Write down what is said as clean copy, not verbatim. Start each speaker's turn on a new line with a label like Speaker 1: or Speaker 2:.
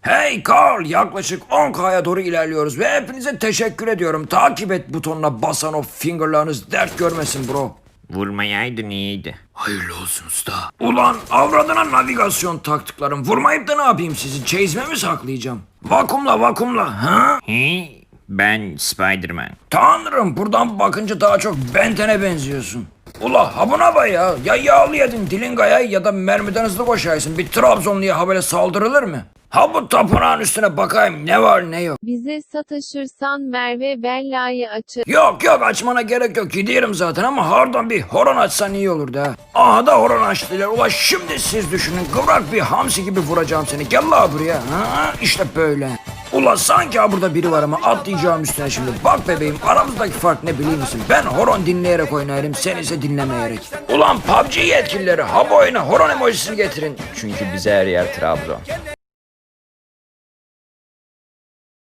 Speaker 1: Hey Carl, yaklaşık 10K'ya doğru ilerliyoruz ve hepinize teşekkür ediyorum. Takip et butonuna basan o fingerlarınız dert görmesin bro.
Speaker 2: Vurmayaydın iyiydi.
Speaker 1: Hayırlı olsun usta. Ulan avradına navigasyon taktıklarım. Vurmayıp da ne yapayım sizi? Çeyizme mi saklayacağım? Vakumla ha?
Speaker 2: He? Ben Spider-Man.
Speaker 1: Tanrım, buradan bakınca daha çok Benten'e benziyorsun. Ula ha buna bak ya. Ya yağlı yedin dilin gayay ya da mermiden hızlı koşaysın. Bir Trabzonluya ha böyle saldırılır mı? Ha bu tapınağın üstüne bakayım ne var ne yok.
Speaker 3: Bize sataşırsan Merve Bella'yı açır.
Speaker 1: Yok açmana gerek yok, gidiyorum zaten ama harbiden bir horon açsan iyi olurdu ha. Aha da horon açtılar. Ula şimdi siz düşünün, kıvrak bir hamsi gibi vuracağım seni. Gel la buraya. Ha, işte böyle. Ula sanki ha burada biri var ama atlayacağım üstüne şimdi. Bak bebeğim, aramızdaki fark ne biliyor musun? Ben horon dinleyerek oynarım, sen ise dinlemeyerek. Ulan PUBG yetkilileri ha bu oyuna horon emojisini getirin.
Speaker 2: Çünkü bize her yer Trabzon.